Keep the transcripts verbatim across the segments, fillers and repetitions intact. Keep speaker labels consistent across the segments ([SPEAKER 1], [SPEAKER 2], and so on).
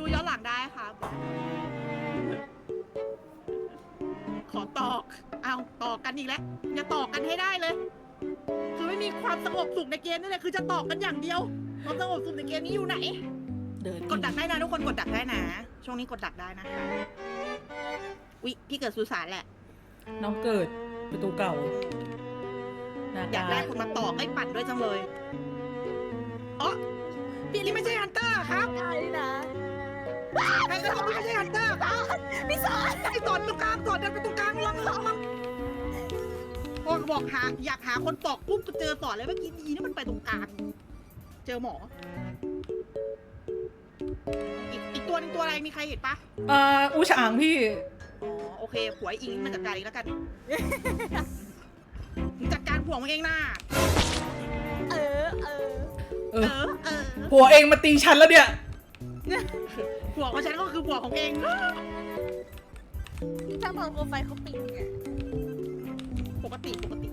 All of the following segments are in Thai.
[SPEAKER 1] ดูย้อนหลังได้ครับขอตอกเอาตอกกันอีกแล้วอย่าตอกกันให้ได้เลยคือไม่มีความสงบสุขในเกมนี่แหละคือจะตอกกันอย่างเดียวความสงบสุขในเกมนี้อยู่ไหน
[SPEAKER 2] เดิน
[SPEAKER 1] กดดักได้นะทุกคนกดดักได้นะช่วงนี้กดดักได้นะคะวิพี่เกิดสุสานแหละ
[SPEAKER 2] น้องเกิดประตูเก่า
[SPEAKER 1] อยากได้คนมาต่อให้ปั่นด้วยจังเลยอ๋อพี่นี่ไม่ใช่ฮันเตอร์ครับ
[SPEAKER 3] ได้นะ
[SPEAKER 1] ใครก็ทำไม่ใช่ฮันเตอร์ครับ
[SPEAKER 3] พี่สอน
[SPEAKER 1] ไอ้สอนตรงกลางสอนเดินไปตรงกลางลองลองลองพอบอกหาอยากหาคนตอกปุ๊บก็เจอสอนเลยเมื่อกี้ดีนะมันไปตรงกลางเจอหมออีกอีกตัวนึงตัวอะไรมีใครเห็นปะ
[SPEAKER 2] อ่าอูฉางพี่
[SPEAKER 1] อ๋อโอเคผัวไอ้อิงมันจัดการเองแล้วกันมึงจัดการผัวมึงเองนะ
[SPEAKER 3] เออเออ
[SPEAKER 2] เอ
[SPEAKER 1] เอ
[SPEAKER 2] อ
[SPEAKER 1] อเออ
[SPEAKER 2] ผัวเองมาตีฉันแล้วเนี่ย
[SPEAKER 1] ผัวของฉันก็คือผัวของเอง
[SPEAKER 3] ช่างตอนโปรไฟล์เขาปิดไง
[SPEAKER 1] ปกติปกติ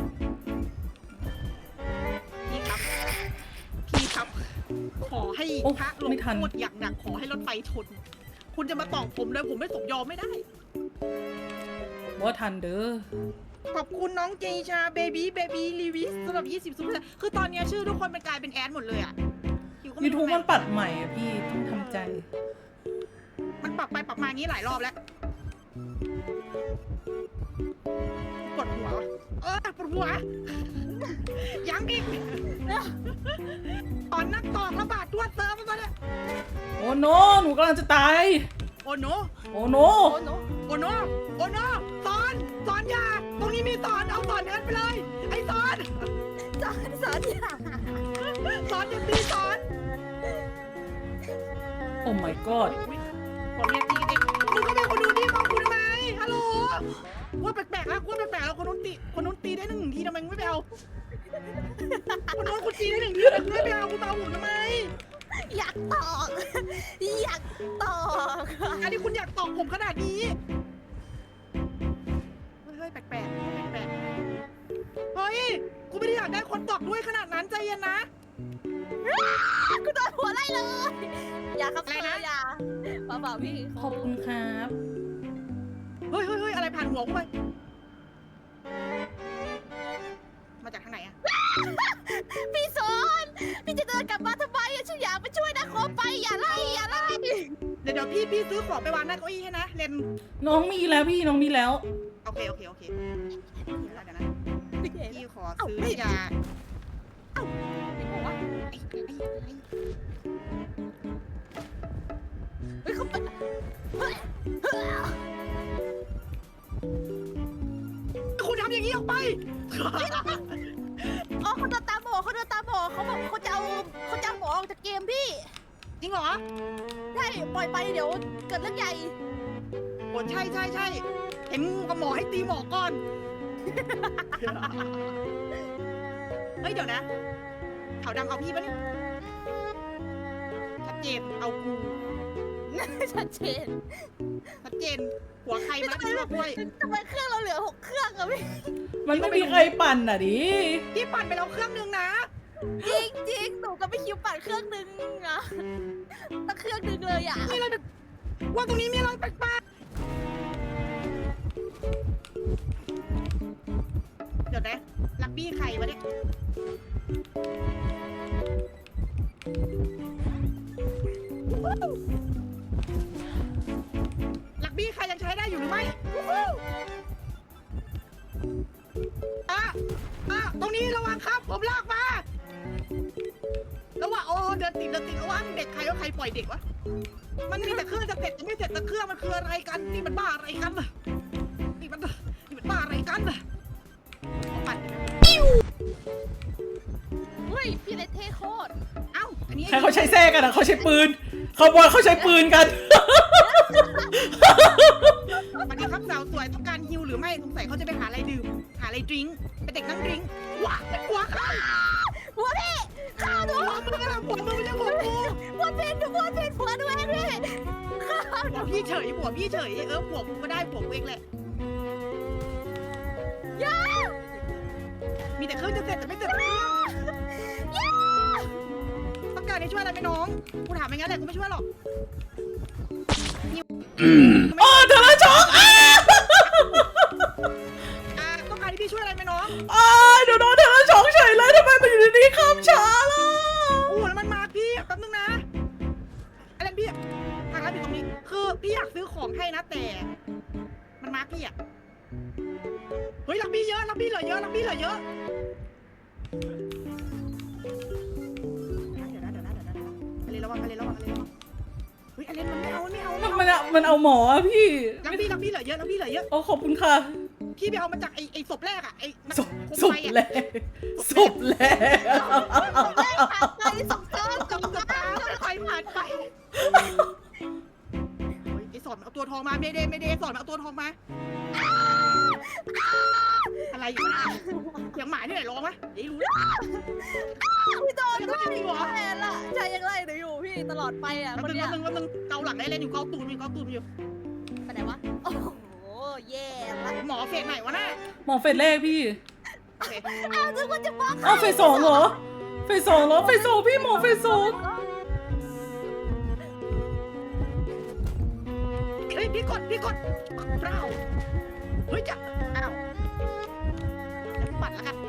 [SPEAKER 1] พี่ครับพี่ครับ ขอให้
[SPEAKER 2] โอ้
[SPEAKER 1] พระลง
[SPEAKER 2] ไม่ทัน
[SPEAKER 1] โทษอย่างหนักขอให้รถไฟชน คุณจะมาตอกผมเลยผมไม่สมยอมไม่ได้
[SPEAKER 2] ว่าทันเด้อ
[SPEAKER 1] ขอบคุณน้องเจชาเบบี้เบบี้ลีวิสสำหรับยี่สิบซุปเปอร์คือตอนนี้ชื่อทุกคนเป็นกลายเป็นแอดหมดเลยอ่ะคิวก็ไม่
[SPEAKER 2] ยู
[SPEAKER 1] รู้
[SPEAKER 2] ทูบ
[SPEAKER 1] ทำไม
[SPEAKER 2] มันปัดใหม่อะพี่ต้องทำใจ
[SPEAKER 1] มันปรับไปปรับมาอย่างนี้หลายรอบแล้วปวดหัวเออปวดหัว ยังอีกตอนนักตอกระบาดตัวเติมมาเนี่ย
[SPEAKER 2] โอ้โนหนูกำลังจะตาย
[SPEAKER 1] โอ้โน
[SPEAKER 2] โอ้โน
[SPEAKER 3] โอ้โน
[SPEAKER 1] โอ้โนโอ้โนสอนสอนยาตรงนี้มีสอนเอาสอนเดินไปเลยไอ้สอน
[SPEAKER 3] สอนสอนอย่า
[SPEAKER 1] สอนอย่าตีสอน
[SPEAKER 2] โอ้ my god
[SPEAKER 1] ผมเนี่ยตีเด็กมึงก็เป็นคนดูดีของกูทำไมฮัลโหลว่าแปลกๆแล้วว่าแปลกๆแล้วคนนู้นตีคนนู้นตีได้หนึ่งทีทำไมมึงไม่ไปเอาคนนู้นคุณตีได้หนึ่งทีทำไมมึงไม่ไปเอาคุณมาเอาหุ่นทำไม
[SPEAKER 3] อยากตอกอยากตอก
[SPEAKER 1] อันนี้คุณอยากตอกผมขนาดนี้เฮ้ยแปลกๆแปลกๆเฮ้ยกูไม่ได้อยากได้คนตอกด้วยขนาดนั้นใจเย็นนะ
[SPEAKER 3] กูโดนหัวไล่เลยอย่าครับ
[SPEAKER 1] อะไรนะ
[SPEAKER 3] อย่าเปล่าๆพี่
[SPEAKER 2] ขอบคุณครับ
[SPEAKER 1] เฮ้ยเฮ้ยเฮ้ยอะไรผ่านหัวกูไปมาจากทางไหนอะ
[SPEAKER 3] พี่สอนพี่จะเดินกลับมาทำไมอะฉันอยากไปช่วยนะขอไปอย่าไล่อย่าไล่
[SPEAKER 1] เดี๋ยวเดี๋ยวพี่พี่ซื้อของไปวางหน้าเก้าอี้ให้นะเลน
[SPEAKER 2] น้องมีแล้วพี่น้องมีแล้ว
[SPEAKER 1] โอเคโอเคโอเคเดี๋ยวนะเดี๋ยวนะ
[SPEAKER 3] พี่เห็น
[SPEAKER 1] พี่ขอซื้อยา
[SPEAKER 3] เห็นบอกว่า
[SPEAKER 1] ไอ้ไอ้ไอ้
[SPEAKER 3] เฮ้ยเขาไปเฮ้ยเฮ้ย
[SPEAKER 1] คุณทำอย่างนี้ออกไป
[SPEAKER 3] อ๋อเขาเดินตามหมอเขาเดินตามหมอเขาบอกเขาจะเอาเขาจะเอาหมอออกจากเกมพี่
[SPEAKER 1] จริงเหรอ
[SPEAKER 3] ใช่ปล่อยไปเดี๋ยวเกิดเรื่องใหญ่
[SPEAKER 1] โอ้ใช่ใช่ใช่เห็นงูกับหมอให้ตีหมอก่อน เฮ้ยเดี๋ยวนะขาวดำเอาพี่ปะเนี่ยชัดเจนเอากู
[SPEAKER 3] ชัดเจน
[SPEAKER 1] ชัดเจนหัวใครมาที่ว่าด้วย
[SPEAKER 3] ทำไมเครื่องเราเหลือหกเครื่องอะพี่
[SPEAKER 2] มันไม่มีใครปั่นอ่ะดิ
[SPEAKER 1] พี่ปั่นไปแล้วเครื่องนึงนะ
[SPEAKER 3] จริงจริงหนูก็ไม่คิวปั่นเครื่องนึงอะตั้งเครื่องนึงเลยอะ
[SPEAKER 1] มีอะไรว่าตรงนี้มีอะไรแปลกๆเดี๋ยวนะลักบี้ใครวะเนี่ยลักบี้ใครยังใช้ได้อยู่หรือไม่อ่ะอ่ะตรงนี้ระวังครับผมลากมาระวังโอ้เดินติดเดินติดระวังเด็กใครว่าใครปล่อยเด็กวะมันมีแต่เครื่องจะเสร็จจะไม่เสร็จแต่เครื่องมันคืออะไรกันนี่มันบ้าอะไรกันน่ะนี่มันนี่มันบ้าอะไรกันน่ะเอาปั่น
[SPEAKER 3] เฮ้ยพี่เลเท่โคตร
[SPEAKER 1] เอ้าอันนี้
[SPEAKER 2] ใครเขาใช้แท้กันอ่ะเขาใช้ปืนเขาบอกเขาใช้ปืนกัน
[SPEAKER 1] สวัสดีครับสาวสวยต้องการฮิวหรือไม่สงสัยเขาจะไปหาอะไรดื่มหาอะไรดริงก์เป็นเด็กนั่งดริงก์ว้าเป็นหัวเขา
[SPEAKER 3] หัวพี่ข้าวหนู
[SPEAKER 1] หัวมึงอะหัวมึงไม่ใช่หัวกู
[SPEAKER 3] หัวเพนหัวเพนหัวด้วยพี่ข้าวห
[SPEAKER 1] หั
[SPEAKER 3] นู
[SPEAKER 1] วพี่เฉยหัวพี่เฉยเออหัวกูก็ได้หัวกูเองแหละ
[SPEAKER 3] ยา
[SPEAKER 1] มีแต่เครื่องจะเสร็จแต่ไม่เสร็จเครื่อง
[SPEAKER 3] ยา
[SPEAKER 1] ต้องการจากนี้ช่วยอะไรไหมน้องกูถามไปงั้นแหละกูไม่ช่วยหรอก
[SPEAKER 2] อ๋อเธอละช็อกอ้า
[SPEAKER 1] อ่าต้องการที่พี่ช่วยอะไรไหมน้อง
[SPEAKER 2] อ้าเดี๋ยวโดนเธอละช็อกเฉยเลยทำไมมันอยู่ดีๆข้ามช้าล่ะ
[SPEAKER 1] โอ้แล้วมันมาพี่แป๊บนึงนะอะไรพี่ทางร้านอยู่ตรงนี้คือพี่อยากซื้อของให้นะแต่มันมาพี่อะเฮ้ยรักพี่เยอะรักพี่เหลือเยอะรักพี่เหลือเยอะเดี๋ยวนะเดี๋ยวนะเดี๋ยวนะเดี๋ยวนะอะไรระวังอะไรระวังอะไรระวังเฮ้ยอะไรมันไม่เอาไม่เอา
[SPEAKER 2] มั
[SPEAKER 1] ไม่
[SPEAKER 2] น
[SPEAKER 1] เอา
[SPEAKER 2] มันอะมันเอาหมออะพี่
[SPEAKER 1] รักพี่รักพี่เหลือเยอะรักพี่เหลือเยอะ
[SPEAKER 2] โอ้ขอบคุณค่ะ
[SPEAKER 1] พี่ไปเอามาจากไอ้ไอ้ศพแรกอะไอ้
[SPEAKER 2] ศพ
[SPEAKER 1] โคม
[SPEAKER 2] ศพ
[SPEAKER 1] ไฟอะ
[SPEAKER 2] แรกศพแรก
[SPEAKER 3] ได้ผ่านไปสองตา
[SPEAKER 1] จงสตาร์ไฟผ่านไปไอ้สอนเอาตัวทองมาเมเดเมเดสอนเอาตัวทองมาอะไรอยู่นะเสียงหมาที่ไหนร้องวะเดี๋ยวรู้
[SPEAKER 3] พี่โดนด้วย
[SPEAKER 1] จริงเหรอ
[SPEAKER 3] แม่ละใจยังไล่หนูอยู่พี่ตลอดไปอ่ะ
[SPEAKER 1] แป๊บ
[SPEAKER 3] คน
[SPEAKER 1] นึง
[SPEAKER 3] เนี้
[SPEAKER 1] แป๊
[SPEAKER 3] ย
[SPEAKER 1] บนึงแป๊บนึงเกาหลังได้เลยอยู่เกาตูนอยู่เกาตูนอยู่
[SPEAKER 3] ไปไหนวะโอ้โหแย่ละ
[SPEAKER 1] หมอเฟสไหนวะน่ะ
[SPEAKER 2] หมอเฟสแรกพี่
[SPEAKER 1] โอเค
[SPEAKER 3] อ้าวนึกว่าจะบอก
[SPEAKER 2] อ้าวเฟสสองเหรอเฟสสองเหรอเฟสสองพี่หมอเฟสสอง
[SPEAKER 1] เฮ้ยพี่กดพี่กดเปล่าเฮ้ยจะอ้าวแล้วพี่ปัดแล้วกัน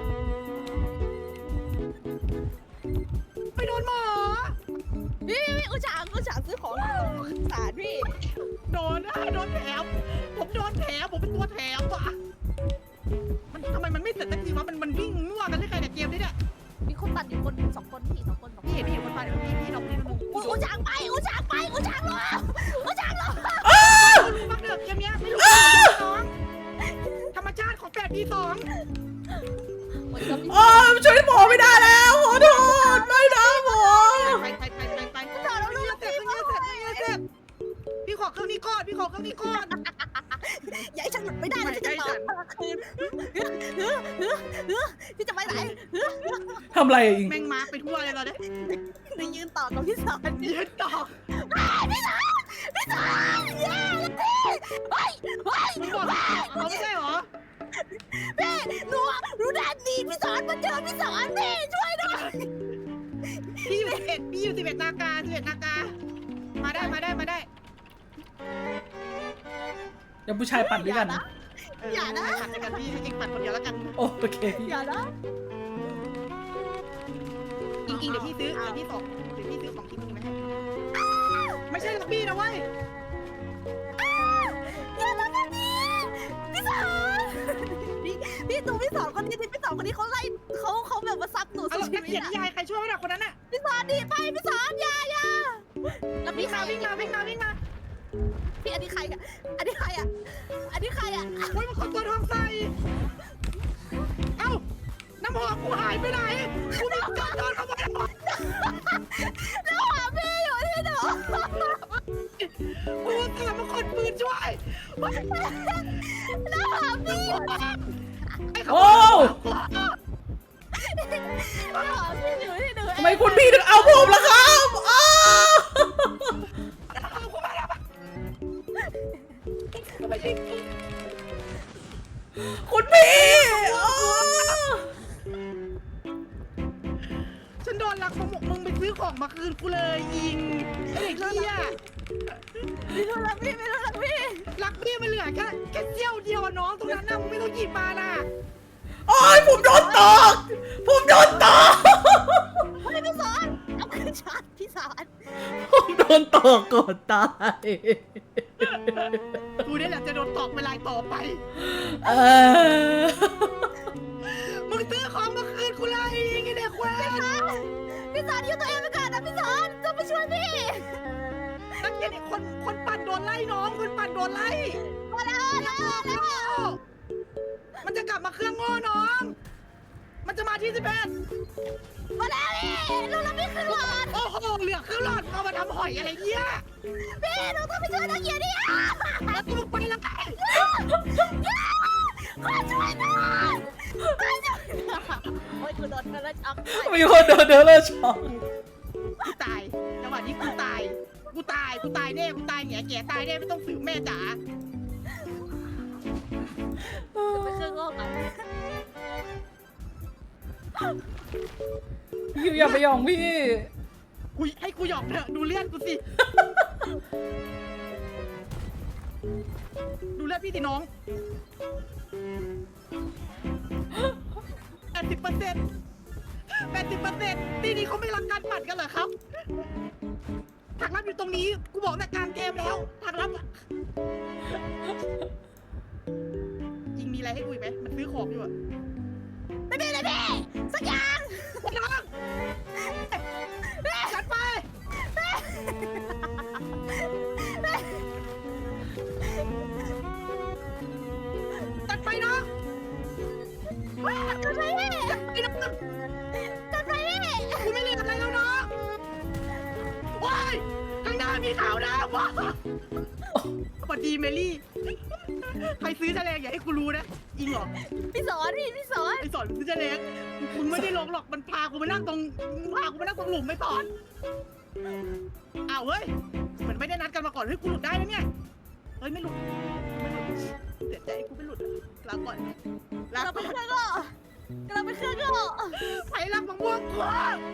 [SPEAKER 1] ไปโดนหมอ
[SPEAKER 3] พี่พี่อุจฉางอุจฉางซื้อของสารพี่
[SPEAKER 1] โดนนะโดนแถมผมโดนแถมผมเป็นตัวแถมว่ะมันทำไมมันไม่เสร็จสักทีวะมันมันวิ่งมั่วกันได้ใครเนี่ยเกมนี้เนี่ย
[SPEAKER 3] มีคนตัดอยู่คนสองคนพี่สองคนสองคน
[SPEAKER 1] พี่เห็นพี่เห็นคนพาเดี๋ยวพี่พี่ลองพี่ลอง
[SPEAKER 3] อุอุจฉางไปอุจฉางไปอุจฉางรออุจฉางรอ
[SPEAKER 1] รู้บ้างเด้อเกมเนี้ยไม่รู้น้องธรรมชาติของแปดปีสอง
[SPEAKER 2] อ๋อช่วยหมอไม่ได้แล้วขอโทษไม่นะหมอ
[SPEAKER 1] ไปไปไปไปไปไปแล้วเลือดเสร็จเลือดเสร็จเลือดเสร็จพี่ขอเครื่องนี้ก่อนพี่ขอเครื่องนี้ก่อน
[SPEAKER 3] อย่าให้ฉันหลุดไม่ได้นะจะต่อคืนพี่จะไปไหน
[SPEAKER 2] ทำอะไรอีก
[SPEAKER 1] แม่งมาไปทั่วเลยเราเนี่ย
[SPEAKER 3] หนูยืนต่อกับพี่สอน
[SPEAKER 1] ยืนต่อ
[SPEAKER 3] พี่สอนพี่สอนเย้เฮ้ยเฮ้ย
[SPEAKER 1] มึงบอกเขาไม่ใช่หรอ
[SPEAKER 3] พี่หนูหนูแดนดีพี่สอนมาเจอพี่สอนพี่ช่วยหน่อย
[SPEAKER 1] พี่อยู่สิบเอ็ดพี่อยู่สิบเอ็ดนาการสิบเอ็ดนาการมาได้มาได้มาได้
[SPEAKER 2] เดี๋ยวผู้ชายปั่นด้วยกัน
[SPEAKER 3] อย่านะ
[SPEAKER 1] ปัดกันพี่ให้เองปัดคนเดียวแล้วกัน
[SPEAKER 2] โอเค
[SPEAKER 3] อย่านะ
[SPEAKER 1] จริงๆเดี๋ยวพี่ซื้อเดี๋ยวพี่ส่งเดี๋ยวพี่ซื้อของที่มึงมาให้ไม่ใช่ลักบี้นะเว้ย
[SPEAKER 3] อย่าทำแบบนี้พี่สอนพี่พี่ตูพี่สอนคนนี้พี่สอนคนนี้เขาไล่เขาเขาแบบมาซับหนู
[SPEAKER 1] เอา
[SPEAKER 3] สุด
[SPEAKER 1] หรอก
[SPEAKER 3] ชี
[SPEAKER 1] นัก
[SPEAKER 3] วิต
[SPEAKER 1] เขียน
[SPEAKER 3] อะ
[SPEAKER 1] นิยายใครช่วยไม่ได้คนนั้นน่ะ
[SPEAKER 3] พี่สอนดีไปพี่สอนอย่าอย่าแล้ว
[SPEAKER 1] วิ่
[SPEAKER 3] พี่
[SPEAKER 1] ง
[SPEAKER 3] ใคร
[SPEAKER 1] มาวิ่งมาวิ่งมาวิ่งมา
[SPEAKER 3] พี่อันนี้ใครอะอันนี้ใครอะอันนี้ใครอะ
[SPEAKER 1] โอ้ยมันคนตัวทองใส่เอ้าน้ำหอมกูหายไปไหนกูไม่กล้าโดนขโมยน้ำหอม
[SPEAKER 3] แล้วหาพี่อยู่ที่หนู
[SPEAKER 1] กูกำลังมาคนปืนช่วย
[SPEAKER 3] แล้วหาพี่อยู่
[SPEAKER 1] ไอ้ข
[SPEAKER 2] โอ้
[SPEAKER 1] โมย
[SPEAKER 3] แล้วหาพี่อยู่ที่หนู
[SPEAKER 2] ทำไมคุณพี่ถึงเอาผมล่ะครับอ้า
[SPEAKER 1] เอากูมาแล้วไม่ใช่
[SPEAKER 2] คุณพี่อ้า
[SPEAKER 1] ฉันโดนลักของมึงไปซื้อของมาคืนกูเลยยิงไอ้เด็กเหี้ย
[SPEAKER 3] ไม่รู้ละพี่ไม่รู้ละพี่
[SPEAKER 1] ลักพี่มันเหลือแค่แค่เสี้ยวเดียวอะน้องตรงนั้นนะมึงไม่ต้องหยิบมานะ
[SPEAKER 2] โอ้ยผมโดนตอกผมโดนตอก
[SPEAKER 3] เฮ้ยพี่สอนเอาขึ้นชาร์จพี่สอน
[SPEAKER 2] ผมโดนตอกก่อนตาย
[SPEAKER 1] กูนี่แหละจะโดนตอกเวลาต่อไป
[SPEAKER 2] เออ
[SPEAKER 1] มึงซื้อของมาคืนกูเลยยิงไอ้เด็กแว้น
[SPEAKER 3] พี่สอนอยู่ตัวเองไปก่อนนะพี่สอนจะไปช่วยพี่
[SPEAKER 1] นักเรียนอีกคนคนปั่นโดนไล่น้องคนปั่นโดนไล่
[SPEAKER 3] มาแล้วแล้วแล้ว
[SPEAKER 1] มันจะกลับมาเครื่องโง่น้อง มันจะมาที่สิบเอ็ด
[SPEAKER 3] มาแล้วพี่รู้แล้วพี่ขึ้นหลอด
[SPEAKER 1] โอ้โหเหลือเครื่องหลอดเอามาทำหอยอะไรเงี้ย
[SPEAKER 3] พี่หนูต้องไปช่วยนักเกียรติดิ
[SPEAKER 1] แล้วมึงไปแล้วไง
[SPEAKER 3] ขอช่วยหน่อยขอช่วยหน่อยโอ้ยกูโดนกระชับ
[SPEAKER 2] มีคนโดนเดอร์เลอร์ช็อก
[SPEAKER 1] กูตายจังหวะนี้กูตาย กูตาย กูตายแน่ กูตายแง่แก่ตายแน่ไม่ต้องฝืนแม่จ๋า
[SPEAKER 3] ไปเครื่องโลกกัน
[SPEAKER 2] พี่อย่าไปหยองพี่
[SPEAKER 1] กูให้กูหยอกเถอะดูเลือดกูสิ ดูเลือดพี่สิน้องแปดสิบเปอร์เซ็นต์แปดสิบเปอร์เซ็นต์ทีนี้เขาไม่รักการปัดกันเหรอครับทางลับอยู่ตรงนี้กูบอกแต่การเกมแล้วทางลับอะจริงมีอะไรให้คุยไหมมันซื้อของอยู่อะ
[SPEAKER 3] ไม่มีเลยพี่สักอย่าง
[SPEAKER 1] น้องจัดไปจัดไปน้อง
[SPEAKER 3] จัดไปพี่
[SPEAKER 1] จัดไปน้อง
[SPEAKER 3] จัดไปพี่
[SPEAKER 1] กูไม่เรียนอะไรแล้วน้องว้ายข้างหน้ามีขาวดำว้าสวัสดีเมลี่ใครซื้อแฉลงอย่าให้กูรู้นะจริงเหรอ
[SPEAKER 3] พี่สอนพี่พี่สอน
[SPEAKER 1] ไอสอนซื้อแฉลงมึงไม่ได้ลงหรอกมันพากูไปนั่งตรงมึงพากูไปนั่งตรงหลุมไม่สอนอ้าวเฮ้ยเหมือนไม่ได้นัดกันมาก่อนเฮ้ยกูหลุดได้นะเนี่ยเฮ้ยไม่หลุดไม่หลุดเสียใจกูไม่หลุดลาก่อนลา
[SPEAKER 3] เรา
[SPEAKER 1] ก่
[SPEAKER 3] ไป
[SPEAKER 1] อน
[SPEAKER 3] เครื่องก็เราไปเครื่องก็
[SPEAKER 1] ไผ่รักมะม่วงกู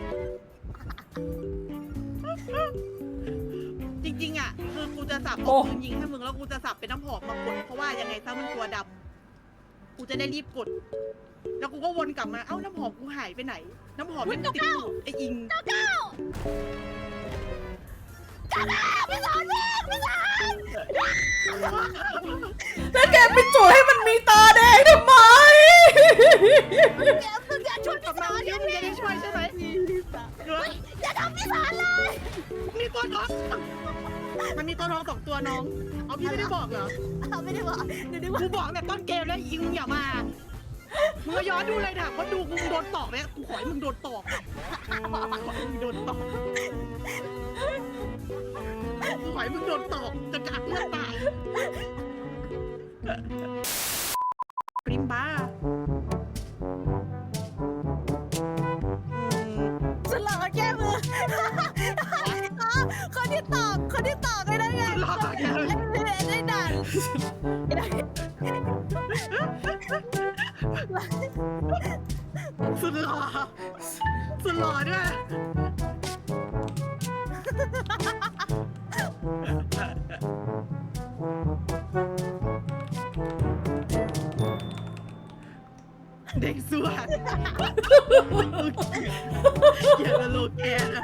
[SPEAKER 1] จริงๆอ่ะคือกูจะสับเอาปืนยิงให้มึงแล้วกูจะสับเป็นน้ำหอมมากดเพราะว่ายังไงซะมันตัวดำกูจะได้รีบกดแล้วกูก็วนกลับมาเอ้าน้ำหอมกูหายไปไหนน้ำหอมมันติดอยู่ไออิง
[SPEAKER 3] เก้าเก้าเก้าเก้าพี่สอนพี่พี่สอน
[SPEAKER 2] แล้วแกไปจุดให้มันมีตาแดงทำไม
[SPEAKER 3] แกมึงอย่าช่วย
[SPEAKER 1] กลั
[SPEAKER 3] พี่
[SPEAKER 1] บ
[SPEAKER 3] ส
[SPEAKER 1] มา
[SPEAKER 3] อน
[SPEAKER 1] เดี๋ยวมึงจะได้ช่วยใช่ไหมเดี๋ยว
[SPEAKER 3] อย่าทำพี่สอนเลย
[SPEAKER 1] มีตัวทองมันมีตัวทองสองตัวน้องเอาพี่ไม่ได้บอกเหรอ
[SPEAKER 3] เอาไม่ได้บอกเดี๋ยวนึกว่า
[SPEAKER 1] กูบอกแต่ต้นเกมแล้วอิงอย่ามามึงย้อนดูเลยถามว่าดูกูโดนตอกเนี่ยกูขอให้มึงโดนตอกขอให้มึงโดนตอกกูขอให้มึงโดนตอกจนกระอักเลือดตายปริมบ้า
[SPEAKER 3] ฉันหลอกแก้มือคนที่ตอบคนที่ตอบไม่ได้ไงได้ด่าน
[SPEAKER 1] สุดหล่อสุดหล่อด้วยเด็กสวยอย่าละโลแกนะ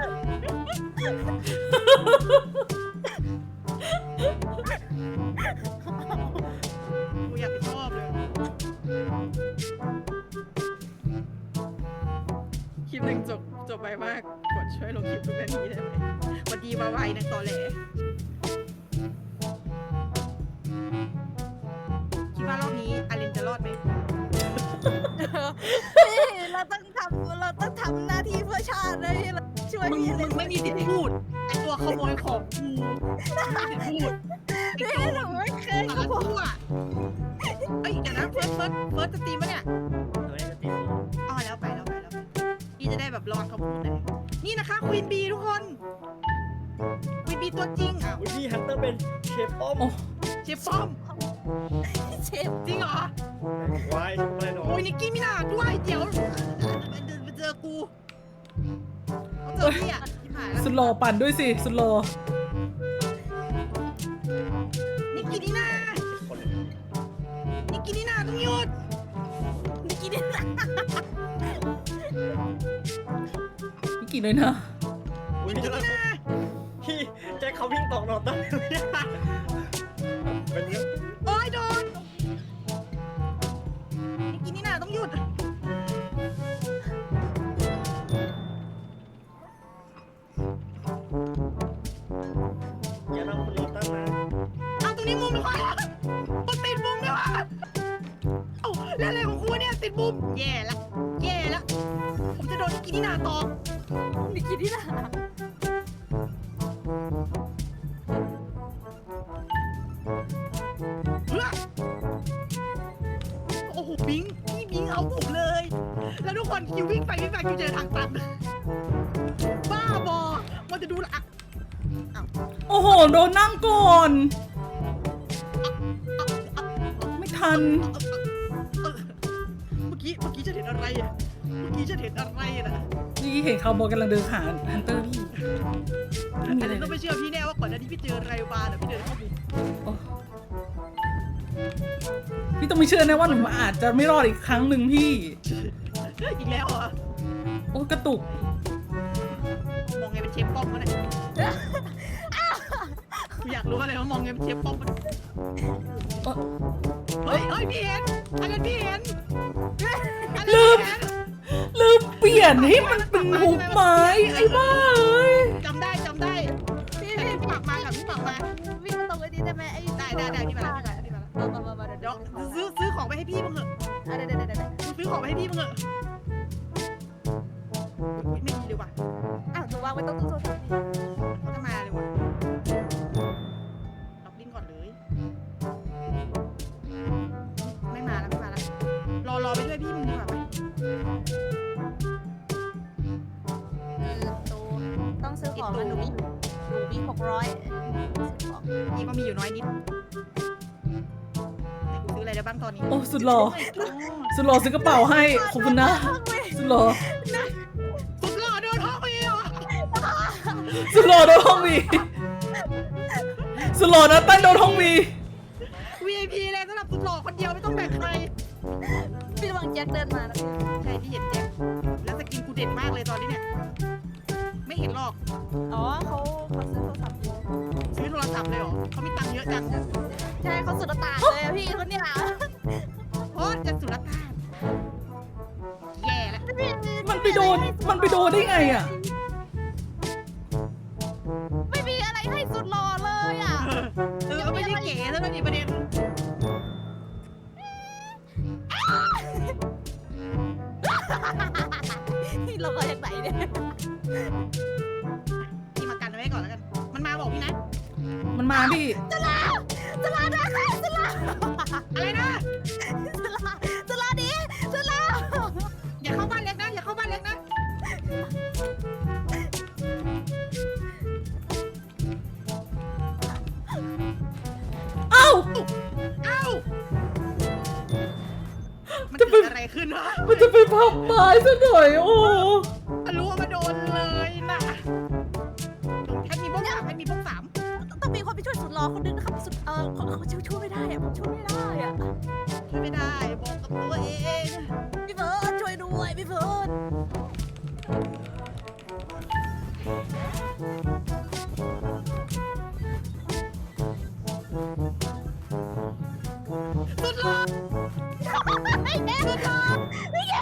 [SPEAKER 1] กูอยากไปชอบเลยคลิปหนึ่งจบจบไปมากกดช่วยลงคลิปทุกนาทีได้ไหมวันดีมาไวนะตอแหลคิดว่ารอบนี้อารินจะรอดไหม
[SPEAKER 3] เราต้องทำเราต้องทำหน้าที่เพื่อชาติเลยเราช่วย
[SPEAKER 1] มึง
[SPEAKER 3] พี่เล
[SPEAKER 1] มึ
[SPEAKER 3] ย
[SPEAKER 1] งไม่มีสิทธิ์พูดไอตัวขโมยของกูไม่มีสิทธิ์พูดไอ
[SPEAKER 3] พี่
[SPEAKER 1] โจ
[SPEAKER 3] หนูไม่เคย
[SPEAKER 1] สาร
[SPEAKER 3] ขโม
[SPEAKER 1] พั
[SPEAKER 3] ย
[SPEAKER 1] ดเอ้ยเดี๋ยวนะเฟิร์สเฟิร์สเฟิร์สสตรีมปะเนี่ย
[SPEAKER 4] เฮ้ยจะติด
[SPEAKER 1] อ๋อแล้วไปแล้วไปแล้วไปพี่จะได้แบบรอดเขาพูดเลยนี่นะคะควีนบีทุกคนควีนบีตัวจริงอ่ะ
[SPEAKER 4] อุ๊ยพี่ฮันเตอร์เป็นเชฟป้อม
[SPEAKER 2] โอ้
[SPEAKER 1] เชฟป้อม
[SPEAKER 3] เชฟ
[SPEAKER 1] จริงเหรอ
[SPEAKER 4] วายอะไรหนอ
[SPEAKER 1] โอ้ยนิกกี้มินาด้วยเดี๋ยวไปเจอกูเขาเจอพี่อ่ะที่ผ่านแล้ว
[SPEAKER 2] สุดหล่อปั่นด้วยสิ สุดหล่อ
[SPEAKER 1] นิกกี้นี่นา
[SPEAKER 4] คน
[SPEAKER 1] นิกกี้นี่นาต้องหยุด
[SPEAKER 3] นิกกี้นี่นะ
[SPEAKER 2] นี่กี่เลยนะ
[SPEAKER 4] อุ้ย
[SPEAKER 1] นิกกี้
[SPEAKER 4] แล้ว
[SPEAKER 1] นี่นา
[SPEAKER 4] พี่แจ็คเขาวิ่งตอกหนอนตั้งเป็นเรื่อง
[SPEAKER 1] โอ้ยโดนนิกกี้นี่นาต้องหยุด
[SPEAKER 4] อย่าทำคุณหนอนตั้งนะ
[SPEAKER 1] เอาตรงนี้มุมดีกว่ามันติดมุมด้วยวะเอ้าเล่นอะไรของกูเนี่ยติดมุมแย่ละแย่ละผมจะโดนนิกกี้นี่นาตอก
[SPEAKER 3] นิกกี้นี่นะ
[SPEAKER 1] เพื่อโอ้โหบิงพี่บิงเอาผมเลย แล้วทุกคนคิววิ่งไปวิ่งไปคิวเจอทางตันบ้าบอมันจะดูละอ่ะ
[SPEAKER 2] โอ้โห โดนนั่งก่อน ไม่ทัน
[SPEAKER 1] เออเมื่อกี้เมื่อกี้จะเห็นอะไรอ่ะเมื่อกี้จะเห็นอะไรอะนะ
[SPEAKER 2] นี่เห็นเขาบอกกำลังเดินหาฮันเตอร์พี่ไม่มีอะไร
[SPEAKER 1] แต่ต้องไม่เชื่อพี่แน่ว่าก่อนหน้านี้พี่เจอไรบาร์หรือพี่เดินเข้ามุม
[SPEAKER 2] โอ้พี่ต้องไม่เชื่อนะว่าหนูอาจจะไม่รอดอีกครั้งหนึ่งพี่
[SPEAKER 1] อีกแล้วเหรอ
[SPEAKER 2] โอ้กระตุก
[SPEAKER 1] มองไงเป็นเชฟป้อมวะเนี่ยกูอยากรู้อะไรว่ามองไงเป็นเชฟป้อมวะ
[SPEAKER 2] เอ้อ
[SPEAKER 1] เฮ้ยเฮ้ยพี่เห็นอันนั้นพี่เห็นอันนั้น
[SPEAKER 2] ลื
[SPEAKER 1] พี่
[SPEAKER 2] ม
[SPEAKER 1] เห็น
[SPEAKER 2] ลืมเปลี่ยนให้มันเป็นหุบไม้ไอ้บ้าเอ้ย
[SPEAKER 1] จำได้จำได้
[SPEAKER 3] พี่
[SPEAKER 1] ไอ้
[SPEAKER 3] พี่
[SPEAKER 1] พี่ปักมากับพี่ปักมา
[SPEAKER 3] วิ่งตรงไอ้นี้ได้ไหมไอ้
[SPEAKER 1] ได้ได้ได้พี่มาแล้วพี่มาแล้วพี่มาแล้ว
[SPEAKER 3] มามามาเดี๋ยว
[SPEAKER 1] เดี๋ยวซื้อซื้อของไปให้พี่มึงเหอะ
[SPEAKER 3] เดี๋ยวเดี๋ยวเดี๋ยวเดี๋ยว
[SPEAKER 1] ซื้อของไปให้พี่มึงเหอะอุ๊ยไม่มีเลยว่ะ
[SPEAKER 3] อ้าวหนูวางไว้ตรงตู้โทรศัพท์พี่
[SPEAKER 1] เขาจะมาเลยว่ะล็อกลิ้นก่อนเลย ไม่มาแล้วไม่มาแล้ว รอรอไปด้วยพี่มึงดีกว่าไหม
[SPEAKER 3] คือตูต้องซื้อของนะหนูมีหนูมีหกร้อยซื้อของ
[SPEAKER 1] พี่ก็มีอยู่น้อยนิดแต่กูซื้ออะไรได้บ้างตอนนี้
[SPEAKER 2] โอ้สุดหล่อสุดหล่อซื้อกระเป๋าให้ขอบคุณนะสุดหล่อ
[SPEAKER 1] สุดหล่อโดนท้องไปเหรอ
[SPEAKER 2] สุดหล่อโดนห้องวีสุดหล่อนะตั้งโดนห้องวี
[SPEAKER 1] วี ไอ พี เลยสำหรับสุดหล่อคนเดียวไม่ต้องแบ่งใคร
[SPEAKER 3] พี่ระวังแจ็คเดินมานะพี่
[SPEAKER 1] ใช่พี่เห็นแจ็คแล้วสกินกูเด็ดมากเลยตอนนี้เนี่ย ไม่เห็นหรอก
[SPEAKER 3] อ๋อเขาเขาซื้อโทรศัพท์อยู่
[SPEAKER 1] ซื้อโทรศัพท์เลยเหรอเขามีตังค์เยอะจัง
[SPEAKER 3] ใช่เขาสุดตาเลยอะพี่คนเนี้ย
[SPEAKER 1] โอ้จะสุดละตานแย่แล้ว
[SPEAKER 2] มันไปโดนมันไปโดนได้ไงอ่ะ
[SPEAKER 3] ไม่มีอะไรให้สุดหล่อเลยอ่ะ
[SPEAKER 1] เออไม่ใช่เก๋ซะแล้วนี่ประเด็น
[SPEAKER 3] เราก็จากไหนเนี่ย
[SPEAKER 1] พี่มากันเอาไว้ก่อนแล้วกัน มันมาบอกพี่นะ
[SPEAKER 2] มันมาพี่
[SPEAKER 3] จะลาจะลาได้ค่ะจะลา
[SPEAKER 1] อะไรนะ
[SPEAKER 3] จะลาจะลาดิจะลา
[SPEAKER 1] อย่าเข้าบ้านเล็กนะ อย่าเข้าบ้านเล็กนะ
[SPEAKER 2] เอ้า
[SPEAKER 1] เอ้า มันเกิดอะไรขึ้นวะ
[SPEAKER 2] มันจะไปพับไม้ซะหน่อยโอ้
[SPEAKER 1] รู้ว่ามาโดนเลยนะแค่มีพวกสามแค่มีพวกสาม
[SPEAKER 3] ต้องมีคนไปช่วยสุดหล่อคนนึงนะครับสุดเออเขาเขาช่วยช่วยไม่ได้อะผมช่วยไม่ได้อะ
[SPEAKER 1] ช่วยไม่ได้บอกกับตัวเอง
[SPEAKER 3] พี่เฟิร์นช่วยด้วยพี่เฟิร์น
[SPEAKER 1] สุดหล่อ
[SPEAKER 3] ไม่แน่สุดหล่อไม่แน่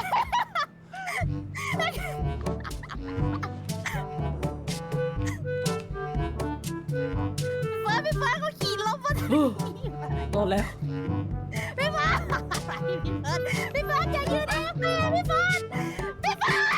[SPEAKER 3] พี่เฟิร์นพี่เฟิร์นเขาขี่รถมาถึง
[SPEAKER 2] โดนแล้ว
[SPEAKER 3] พี่เฟิร์นพี่เฟิร์นพี่เฟิร์นอย่ายืนเองพี่พี่เฟิร์นพี่เฟิร์น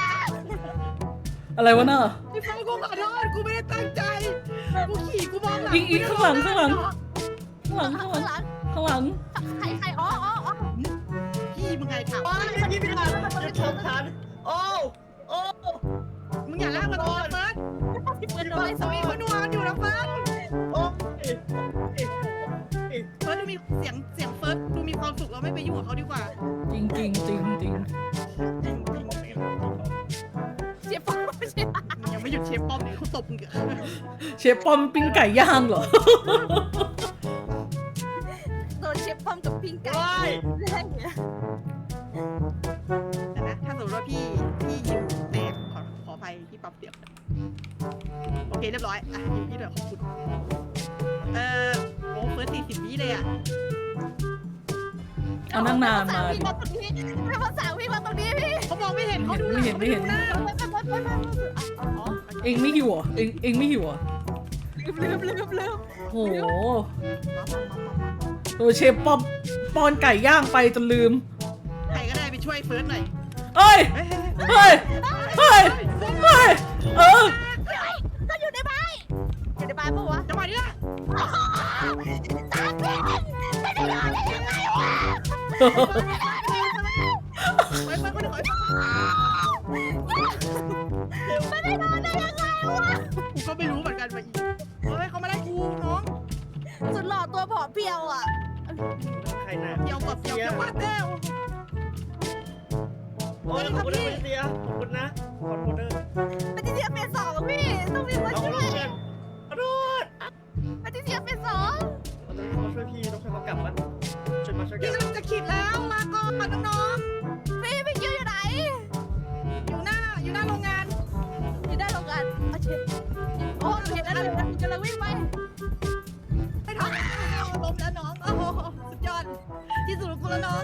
[SPEAKER 2] อะไรวะเน่ะ
[SPEAKER 1] พี่ฟ้ากูขอโทษกูไม่ได้ตั้งใจ กูขี่กูมองหลัง
[SPEAKER 2] อีกอีกข้างหลังข้างหลัง ข้างหลัง
[SPEAKER 3] ข้า
[SPEAKER 2] ข้าง งหลัง
[SPEAKER 3] หลัง
[SPEAKER 2] ข้างหลัง
[SPEAKER 3] ใครใครอ๋ออ๋ออ๋อ
[SPEAKER 1] พี่มึงไงถาม
[SPEAKER 4] โอ้ยพี่พี่ทันจะชมทันโอ้โอ้
[SPEAKER 1] มึงอย่าลากมาตรงนี้เฟิร์ส
[SPEAKER 3] พี่เฟิร์นโดน
[SPEAKER 1] เฟิร์สสวีทเขานัวกันอยู่นะเฟิร์ส
[SPEAKER 4] โอ้
[SPEAKER 1] เฟิร์สดูมีเสียงเสียงเฟิร์สดูมีความสุขเราไม่ไปยุ่งกับเขาดีกว่า
[SPEAKER 2] จริงจริงจริงจริง
[SPEAKER 1] จริงจริง
[SPEAKER 3] เจ็บปากไม่ใช่
[SPEAKER 1] มึงยังไม่หยุดเชฟป้อมเลยเขาตบมึงเกอะ
[SPEAKER 2] เชฟปอมปิ้งไก่ย่างเหรอ
[SPEAKER 3] โดนเชฟป้อมกับพิงไก่
[SPEAKER 4] โอ้ย
[SPEAKER 3] ได้เนี่ย
[SPEAKER 1] แต่นะถ้าสมมติว่าพี่พี่ยิวแตกขอขออภัยพี่ปรับเสียงโอเคเรียบร้อยอ่ะยิวพี่เดี๋ยวขอบคุณเอ่อโอ้เฟิร์สสี่สิบวิเลยอ่ะ
[SPEAKER 2] เอานั่งนานมา
[SPEAKER 3] พี่มาตรงนี้พี่มาสาวพี่มาตรงนี้พี่
[SPEAKER 1] เขามองไม่เห็นเขาดูหลัง
[SPEAKER 2] ไม่เห็นไม่เห็น
[SPEAKER 1] ขาดูหน้า
[SPEAKER 3] ไปไปไปไปอ๋อ
[SPEAKER 2] เองไม่หิวเหรอเองเองไม่หิวเหรอ
[SPEAKER 3] ลืมลืมลืมลืม
[SPEAKER 2] โหตัวเชฟปอมปอนไก่ย่างไปจนลืม
[SPEAKER 1] ใครก็ได้ไปช่วยเฟิร์สหน่อย
[SPEAKER 2] เอ้ย
[SPEAKER 1] เฮ้ยเฮ้ยเฮ้ย
[SPEAKER 2] เฮ้ย เฮ้ย เฮ้ย เออ
[SPEAKER 3] ก็อยู่ในบ้านอยู่ในบ้านปะวะ
[SPEAKER 1] จังหวะนี้ละ
[SPEAKER 3] ตาเป็นไม่ได้นอนได้ยังไงวะ
[SPEAKER 1] ไปไปไปไป
[SPEAKER 3] ไม่ได้นอนได้ยังไงวะ
[SPEAKER 1] กูก็ไม่รู้เหมือนกันว่าอีเฮ้ยเขามาได้กูน้อง
[SPEAKER 3] สุดหล่อตัวผอมเพียวอ่ะ
[SPEAKER 4] ใครน่ะ
[SPEAKER 1] เกี่ยวกับเกี่ยวกับว่าแต้ว
[SPEAKER 4] โอ้ยขอบคุณนะเสียขอบคุณนะขอโทษเด้อ
[SPEAKER 3] ปฏิเสธเป็นสองพี่ต้องมีมา
[SPEAKER 4] เอา
[SPEAKER 3] ช่
[SPEAKER 4] ข
[SPEAKER 3] ว
[SPEAKER 4] อย โทษกันขอโทษ
[SPEAKER 3] ปฏิเสธเป็นสอง
[SPEAKER 4] เราต้องมาช่วยพี่ต้องช่วยเขากลับมันช่วยมาช่วยกั
[SPEAKER 1] พี่
[SPEAKER 4] น
[SPEAKER 1] กำลังจะขีดแล้วลาก่อนน้อง
[SPEAKER 3] พี่พี่คิวอยู่ไหน
[SPEAKER 1] ๆอยู่หน้าอยู่หน้าโรงงาน
[SPEAKER 3] อยู่ได้โรงงานโอเคโอ้เห็นแล้วเลยกำลังวิ่งไป
[SPEAKER 1] ไม่ทันล้มแล้วน้องโอ้โหสุดยอดที่สุดของคุณแล้วน้อง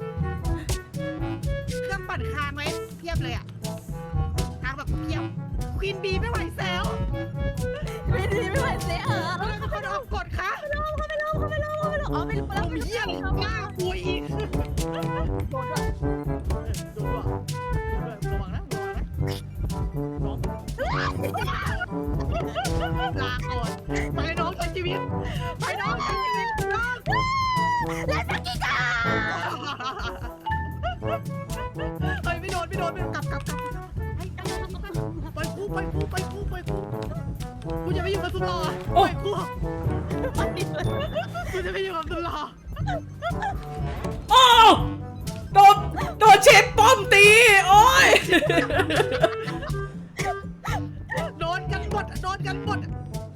[SPEAKER 1] เครื่องปั่นคางไว้เพียบเลยอ่ะคางแบบเพียบควีนบีไม่ไหวแซว
[SPEAKER 3] ไม่ดีไม่ไหวเสียเออ
[SPEAKER 1] เขาเลยเขาโดนกดค่ะ
[SPEAKER 3] เขาไม่ลงเขาไม่ลงเขาไม่ลงเขาไม่ลงอ๋อไม่ลง
[SPEAKER 1] ผมเยี่ยมมากปุยอีก
[SPEAKER 3] โดนด้วย
[SPEAKER 1] ดูด้วยระวังนะระวังนะน้องลาก่อนไปน้องใช้ชีวิตไปน้องใช้ชีวิตน้อง
[SPEAKER 3] เล่นสกิกา
[SPEAKER 1] เฮ้ยไม่โดนไม่โดนไม่โดนกลับกลับกลับไปกูไปกูไปกูไปกูกูจะไม่อยู่กับสุดหล่อไปกู
[SPEAKER 3] มันดิเลย
[SPEAKER 1] กูจะไม่อยู่กับสุดหล่อ
[SPEAKER 2] โอ้โดนโดนเชฟป้อมตีโอ้ย
[SPEAKER 1] โดนกันหมดโดนกันหมด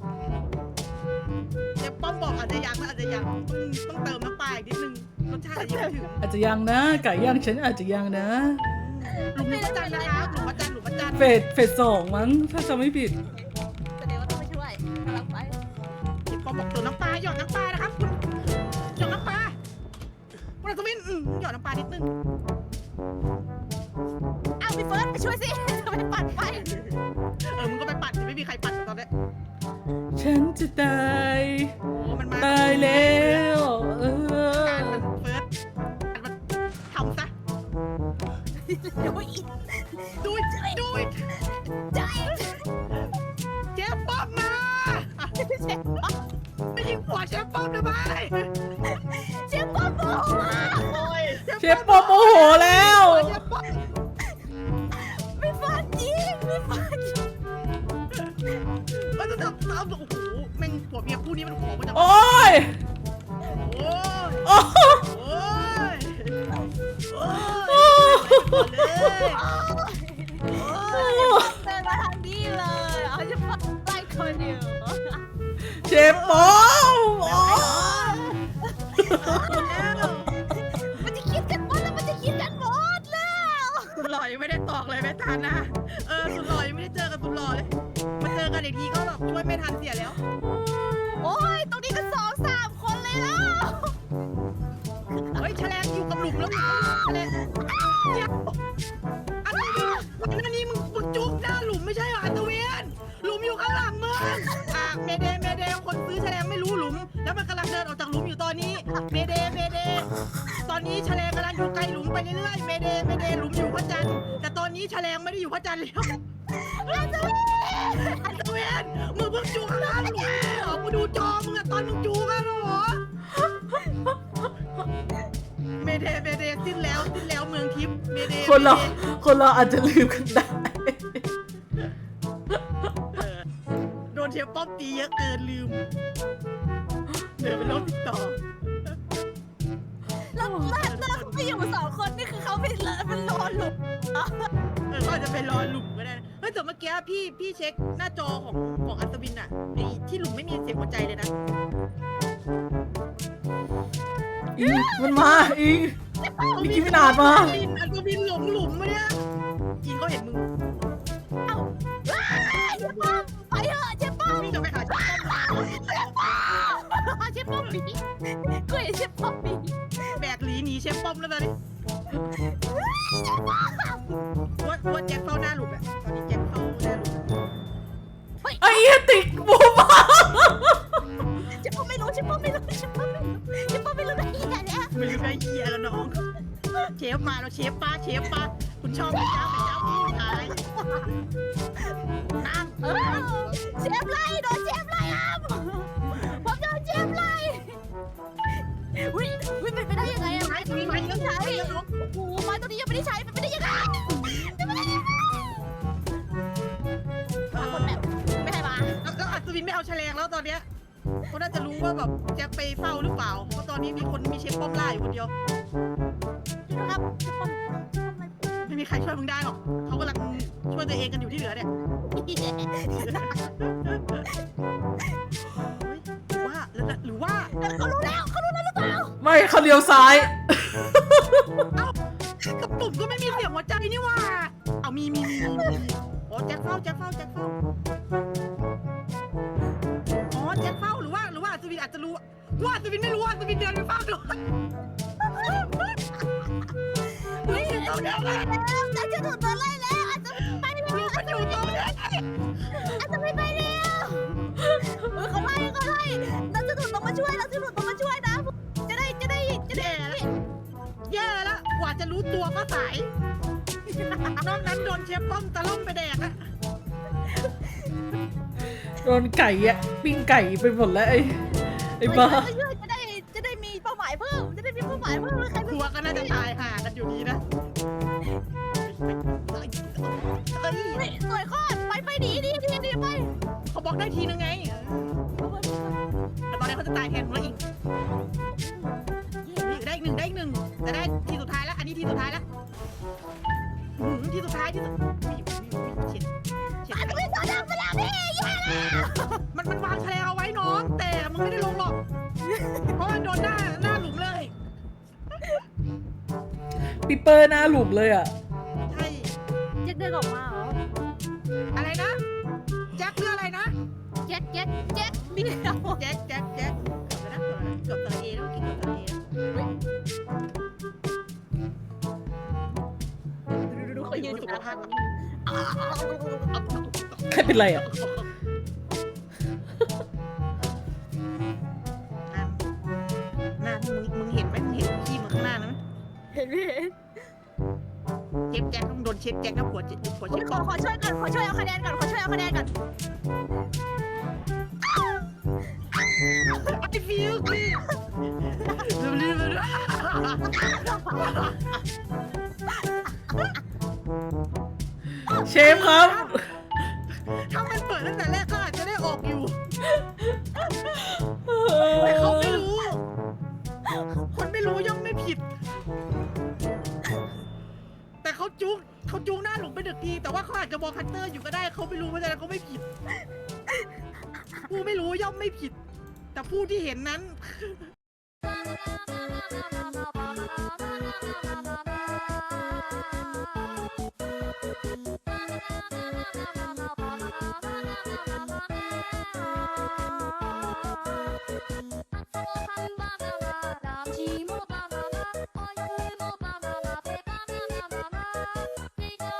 [SPEAKER 1] เดี๋ยวป้อมบอกอาจจะยังอาจจะยังต้องเติมน้ำปลาอีกนิดนึงรสชาติอาจจะยังไม่ถึง
[SPEAKER 2] อาจจะยังนะไก่ย่างฉันอาจจะยังนะ
[SPEAKER 1] หลุมพระจันทร์นะคะหลุมพระจันทร์หลุมพระจันทร์
[SPEAKER 2] เฟสเฟสสองมั้งถ้าจำไม่ผิด
[SPEAKER 3] แสดงว่าต้องไปช่วยกำลังไป
[SPEAKER 1] ป้อมบอกตัวน้ำปลาหยอดน้ำปลานะครับคุณหยอดน้ำปลาคุณอัศวินอืมหยอดน้ำปลานิดนึง
[SPEAKER 3] เอาพี่เฟิร์สไปช่วยสิทำไมปัดไป
[SPEAKER 1] เออมึงก็ไปปัดไม่มีใครปัดตอนนี้
[SPEAKER 2] ฉันจะตาย
[SPEAKER 1] โอ้มันมา
[SPEAKER 2] ตายแล้วเอ
[SPEAKER 1] การ
[SPEAKER 2] อ
[SPEAKER 1] มันเฟิร์สการมันทำซะ
[SPEAKER 3] เดี๋ยวอีก
[SPEAKER 1] ดูดดูด
[SPEAKER 3] ใจ
[SPEAKER 1] เชฟป้อมมาไม่ยิงหัวเชฟป้อมทำไม
[SPEAKER 3] เชฟป้อมโมโหอ่ะ
[SPEAKER 4] โอ้ย
[SPEAKER 2] เชฟป้อมโมโหแล้ว
[SPEAKER 1] เชฟป้อม
[SPEAKER 3] ไม่ฟังจริงไม่ฟังจริง
[SPEAKER 1] มันจะทำตามโอ้โหแม่งผัวเมียคู่นี้มันขอมาจาก
[SPEAKER 2] โอ้ย
[SPEAKER 1] โอ้ย
[SPEAKER 2] โอ้
[SPEAKER 1] โอ้ยโอ้ยเลย
[SPEAKER 3] เดินมาทางนี้เลยเอาเชฟป้อมไล่คนเดียว
[SPEAKER 2] เชฟป้อมโอ้ย
[SPEAKER 3] มันจะคิดกันหมดแล้วมันจะคิดกันหมดแล้ว
[SPEAKER 1] สุดหล่อยังไม่ได้ตอกเลยไม่ทันนะเออสุดหล่อยังไม่ได้เจอกับสุดหล่อเลยมาเจอกันอีกทีก็แบบช่วยไม่ทันเสียแล้ว
[SPEAKER 3] โอ้ยตรงนี้ก็สองสามคนเลยแล้ว
[SPEAKER 1] เฮ้ยแฉลงอยู่กับหลุมแล้วแฉลงเดี๋ยวอัศวินอันนี้มึงมึงจุกหน้าหลุมไม่ใช่เหรออัศวินหลุมอยู่ข้างหลังมึงอ่ะเมเดเมเดคนซื้อแฉลงไม่รู้หลุม แล้วมันกำลังเดินออกจากหลุมอยู่ตอนนี้เมเดเมเดตอนนี้แฉลงกำลังอยู่ไกลหลุมไปเรื่อยๆเมเดเมเดหลุมอยู่พระจันทร์แต่ตอนนี้แฉลงไม่ได้อยู่พระจันทร์แล้วอัศวินอัศวินมึงเพิ่งจูข้างหน้าหลุมเหรอมึงดูจอมึงอะตอนมึงจูกันเหรอ เมเดเมเดสิ้นแล้วสิ้นแล้วเมืองทิพย์เมเด
[SPEAKER 2] คนเราคนเราอาจจะลืมกันได้
[SPEAKER 1] เออโดนเชฟป้อมตีเยอะเกินลืมเดินไปโลกติดต่อ
[SPEAKER 3] แล้วแล้วแล้วเขาไปอยู่สองคนนี่คือเขาไปเลอะมันรอหลุม
[SPEAKER 1] เออก็อาจจะไปรอหลุมก็ได้นะเฮ้ยแต่เมื่อกี้พี่พี่เช็คหน้าจอของของอัศวินอะไอ้ที่หลุมไม่มีเสียงหัวใจเลยนะ
[SPEAKER 2] อิงมันมาอิง มิกกี้มินาดมา
[SPEAKER 1] อัศวินอัศวินหลงหลุมมาเนี่ยกินเขาเห็นมึง
[SPEAKER 3] เอ้าว้ายเชฟป้อมไปเถอะเชฟป้อม
[SPEAKER 1] วิ่งจะไปหาเชฟป้อม
[SPEAKER 3] เชฟป้อมเชฟป้อมหนีกูเห็นเชฟป้อมหนี
[SPEAKER 1] แบกหลีหนีเชฟป้อมแล้วตอนนี้ว่าว่าแจ็คเฝ้าหน้าหลุมอะตอนนี้แจ็คเฝ้าหน้าหลุม
[SPEAKER 2] ไอ้เหี้ยติดบูมา
[SPEAKER 3] เชฟป้อมไม่รู้เชฟป้อมไม่รู้เชฟป้อมไม่รู้เชฟป้อมไม่รู้นะอีเนี่ยเนี่ย
[SPEAKER 1] ไม่รู้ได้เหี้ยแล้วน้องเชฟมาแล้วเชฟป้าเชฟป้าคุณชอบไหมเจ้าไหมเจ้าพี่ชายนั่ง
[SPEAKER 3] เออเชฟไล่โดนเชฟไล่ครับ ผมโดนเชฟไล่อุ้ยอุ้ยเป็นไปได้ยังไงอะ
[SPEAKER 1] ไม้ตรงนี้ไม้เยอะใช่น้อง
[SPEAKER 3] โอ้โหไม้ตัวนี้ยังไม่ได้ใช้เป็นไปได้ยังไงเป็นไปได้ยังไงมาคนแบบไม่ให้มา
[SPEAKER 1] แล้วอัศวินไม่เอาแฉลงแล้วตอนเนี้ยเขาน่าจะรู้ว่าแบบแจ็คไปเฝ้าหรือเปล่าเพราะตอนนี้มีคนมีเชฟป้อมล่าอยู่คนเดียว
[SPEAKER 3] ครับเชฟป้อม
[SPEAKER 1] ไม่มีใครช่วยมึงได้หรอกเขากำลังช่วยตัวเองกันอยู่ที่เหลือเนี่ยว่าแล้วหรือว่า
[SPEAKER 3] เขารู้แล้วเขารู้แล้วหรือเปล่า
[SPEAKER 2] ไม่เขาเลี้ยวซ้าย
[SPEAKER 1] เอ้ากระปุกก็ไม่มีเสียงหัวใจนี่ว่าเอามีมีมีมีโอ้แจ็คเฝ้าแจ็คเฝ้าแจ็คเฝ้าอ๋อแจ็คเฝ้าหรือว่าหรือว่าอัศวินอาจจะรู้ว่าอัศวินไม่รู้ว่าอัศวินเดินไปเฝ้าดูเฮ้ยตรงนี้เลย
[SPEAKER 3] แล้วจะจะถูกตัวไล่แล้วอาจจะไปเร็ว
[SPEAKER 1] ลูกมันอยู่ตรงนี้
[SPEAKER 3] อาจจะไม่ไปเร็วเออเขาไล่เขาไล่เราจะถูกต้องมาช่วยเราจะถูกต้องมาช่วยนะจะได้จะได้จะได้
[SPEAKER 1] แย่แล้วกว่าจะรู้ตัวก็สายนอกนั้นโดนเชฟป้อมตะล่อมไปแดกอะ
[SPEAKER 2] โดนไก่อะปิ้งไก่ไปหมดแล้วไอ้ไอ้บ้า
[SPEAKER 3] จะได้จะได้มีเป้าหมายเพิ่มจะได้มีเป้าหมายเพิ่มใคร
[SPEAKER 1] ตัวก็น่าจะตายห่ากันอยู่ดีนะเอ้ย
[SPEAKER 3] สวยข้อไปไปดีดีดีดีไป
[SPEAKER 1] เขาบอกได้ทีนึงไงแต่ตอนนี้เขาจะตายแทนเราอีกได้อีกหนึ่งได้อีกหนึ่งแต่ได้ทีสุดท้ายแล้วอันนี้ทีสุดท้ายแล้วทีสุดท้ายที่สุดเฉียดเฉียด
[SPEAKER 3] อาจจะไม่ต่อดังไปแล้วพี่แย่แล้ว
[SPEAKER 1] มันมันวางแฉลงเอาไว้น้องแต่มึงไม่ได้ลงหรอกเพราะมันโดนหน้าหน้าหลุมเลย
[SPEAKER 2] ปิปเปอร์หน้าหลุมเลยอะ
[SPEAKER 1] ใช่
[SPEAKER 3] แจ็คเดินออกมาเหรอ
[SPEAKER 1] อะไรนะแจ็คเรืออะไรนะ
[SPEAKER 3] แจ็คแจ็คแจ็คมีเรา
[SPEAKER 1] แจ็คแจ็คแจ็คเกือบนะเกือบตะเอแล้วกินเกือบตะเอ
[SPEAKER 3] ดูดูเขายืนอยู่นะ
[SPEAKER 2] ใครเป็นไรอะ
[SPEAKER 1] หน้ามึงมึงเห็นไหมมึงเห็นขี้มึงข้างหน้านะ
[SPEAKER 3] เห็นพี่
[SPEAKER 1] เชฟแจ็คต้องโดนเชฟแจ็คนะหัวเชฟหัวเชฟ
[SPEAKER 3] ขอขอช่วยก่อนขอช่วยเอาคะแนนก่อนขอช่วยเอาคะแนนก่อน
[SPEAKER 1] ไอ้ฟิวคือลืมลืม
[SPEAKER 2] เชฟครับ
[SPEAKER 1] ถ้ามันเปิดตั้งแต่แรกก็อาจจะได้ออกอยู่แต่เขาไม่รู้ คนไม่รู้ย่อมไม่ผิด แต่เขาจุกเขาจุกหน้าหลุมไปหนึ่งทีแต่ว่าเขาอาจจะมองฮันเตอร์อยู่ก็ได้เขาไม่รู้เพราะฉะนั้นเขาไม่ผิด ผู้ไม่รู้ย่อมไม่ผิด แต่ผู้ที่เห็นนั้น
[SPEAKER 5] Follow